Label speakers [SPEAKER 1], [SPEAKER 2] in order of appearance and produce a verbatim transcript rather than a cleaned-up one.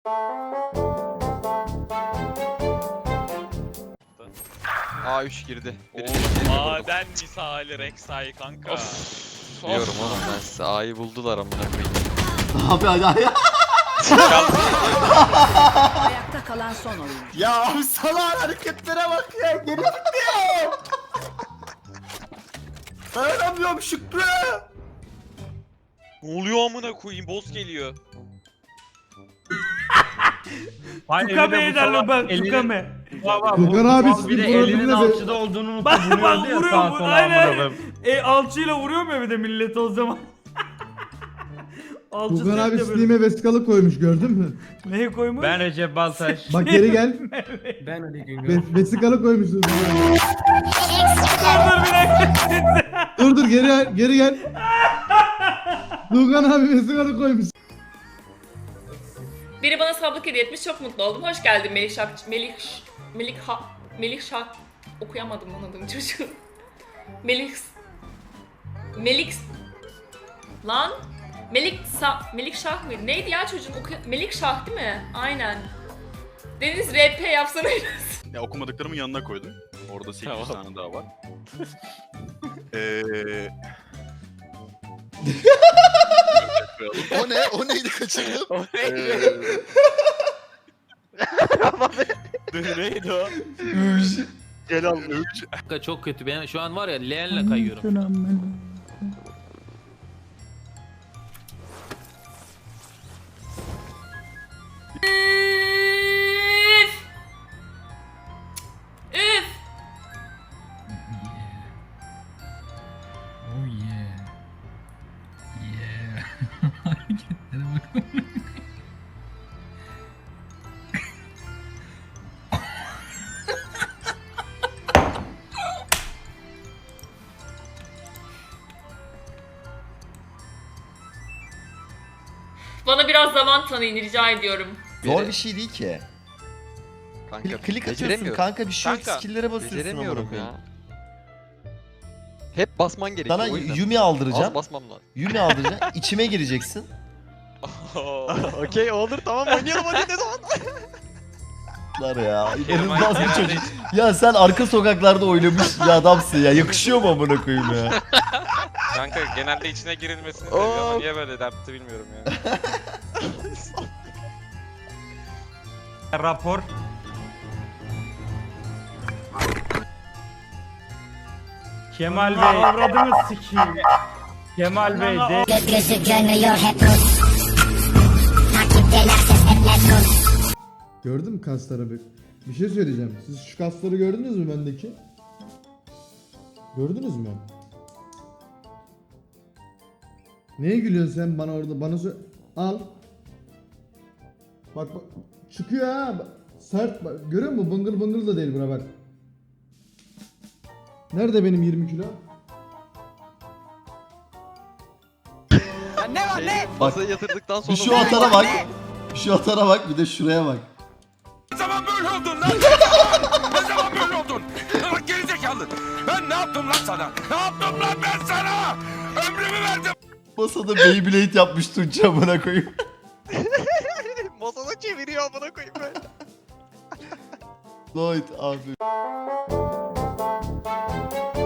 [SPEAKER 1] A üç girdi.
[SPEAKER 2] Maden misali Rek'Sai kanka.
[SPEAKER 1] Diyorum oğlum ben size A'yı buldular amına koyayım.
[SPEAKER 3] Abi hadi hadi.
[SPEAKER 4] Ayakta kalan son oyuncu.
[SPEAKER 3] Ya abi salağın hareketlere bak ya. Geri gidiyor. Dayanamıyorum Şükrü.
[SPEAKER 2] Ne oluyor amına koyayım? Boss geliyor.
[SPEAKER 5] Tukame ederler bak Tukame.
[SPEAKER 6] Furkan abi sizin
[SPEAKER 5] Bir de
[SPEAKER 6] profilinde
[SPEAKER 5] elinin
[SPEAKER 6] de-
[SPEAKER 5] alçıda olduğunu unutup
[SPEAKER 6] Bak, bak,
[SPEAKER 5] vuruyordu ya
[SPEAKER 6] vuruyor,
[SPEAKER 5] sağa
[SPEAKER 6] bu-
[SPEAKER 5] sola
[SPEAKER 6] aynen.
[SPEAKER 5] amına koyayım.
[SPEAKER 6] E alçıyla vuruyor mu bir de millet o zaman? Alçı
[SPEAKER 7] Furkan abi
[SPEAKER 6] sürekli böyle-
[SPEAKER 7] Steam'e vesikalık koymuş gördün mü?
[SPEAKER 6] Neye koymuş?
[SPEAKER 5] Ben Recep Baltaş.
[SPEAKER 7] Bak geri gel.
[SPEAKER 5] Ben Ali Güngör.
[SPEAKER 7] Ve vesikalık koymuşsun.
[SPEAKER 6] Dur dur bir dakika.
[SPEAKER 7] dur dur geri gel. Geri gel. Furkan abi vesikalık koymuş.
[SPEAKER 8] Biri bana sablık hediye etmiş, çok mutlu oldum. Hoş geldin Melih Şak... Melih... Ş- Melih Ha... Melih Şak... Okuyamadım lan adını çocuğun. Melih... Melik... Lan... Melik Sa... Melik Şah mıydı? Neydi ya çocuğun? Okuy... Melik Şah değil mi? Aynen. Deniz R P yapsana biraz.
[SPEAKER 9] Ya okumadıklarımın yanına koydum. Orada sekiz yüz
[SPEAKER 2] Tamam.
[SPEAKER 9] tane daha var. Eee...
[SPEAKER 10] O ne? O neydi kaçırdım?
[SPEAKER 2] O neydi? Neydi o?
[SPEAKER 9] Celal Öğüç.
[SPEAKER 5] Çok kötü. Ben şu an var ya leğenle kayıyorum.
[SPEAKER 8] Üf! Üf!
[SPEAKER 11] Oh yeah. Yeah. Hareketlere bak.
[SPEAKER 8] Bana biraz zaman tanıyın rica ediyorum.
[SPEAKER 3] Zor bir şey değil ki.
[SPEAKER 1] Kanka
[SPEAKER 3] Klik, klik atıyorsun
[SPEAKER 1] beceremiyorum.
[SPEAKER 3] kanka bir şey yok.
[SPEAKER 1] Kanka,
[SPEAKER 3] Skill'lere basıyorsun.
[SPEAKER 1] Beceremiyorum
[SPEAKER 3] amına
[SPEAKER 1] ya.
[SPEAKER 3] koyayım.
[SPEAKER 1] Hep basman gerekiyor
[SPEAKER 3] Sana
[SPEAKER 1] o yüzden.
[SPEAKER 3] Yumi
[SPEAKER 1] Az
[SPEAKER 3] aldıracağım.
[SPEAKER 1] basmam lazım.
[SPEAKER 3] Yumi aldıracağım. İçime gireceksin.
[SPEAKER 1] Okey olur tamam oynayalım hadi ne zaman?
[SPEAKER 3] Var ya. İnanılmaz bir çocuk. Ya sen arka sokaklarda oynamış bir adamsın ya. Yakışıyor mu amına koyayım ya?
[SPEAKER 2] Kanka genelde içine girilmesini seviyorum ama niye böyle yaptı bilmiyorum ya.
[SPEAKER 5] Rapor. Kemal Bey.
[SPEAKER 6] Avradını sikeyim.
[SPEAKER 5] Kemal Bey de
[SPEAKER 4] Gökyüzü görmüyor hep Rus. Takipteler ses hep let's go.
[SPEAKER 7] Gördün mü kasları bir? Bir şey söyleyeceğim. Siz şu kasları gördünüz mü bendeki? Gördünüz mü? Neye gülüyorsun sen bana orada? Bana sö- Al. Bak bak. Çıkıyor ha. Bak, sert bak. Görüyor musun? Bıngıl bıngıl da değil buna bak. Nerede benim yirmi kilo?
[SPEAKER 1] Ne var ne? Masaya yatırdıktan sonra...
[SPEAKER 3] Bir şu atara bak. Bir şu atara bak bir de şuraya bak.
[SPEAKER 10] Ne zaman böyle oldun lan? Ne zaman böyle oldun? Bak gerizekalı. Ben ne yaptım lan sana? Ne yaptım lan ben sana? Ömrümü verdim.
[SPEAKER 3] Masada Beyblade yapmış Tunç amına koyayım.
[SPEAKER 1] Masada çeviriyor amına koyayım böyle.
[SPEAKER 3] Lloyd abi.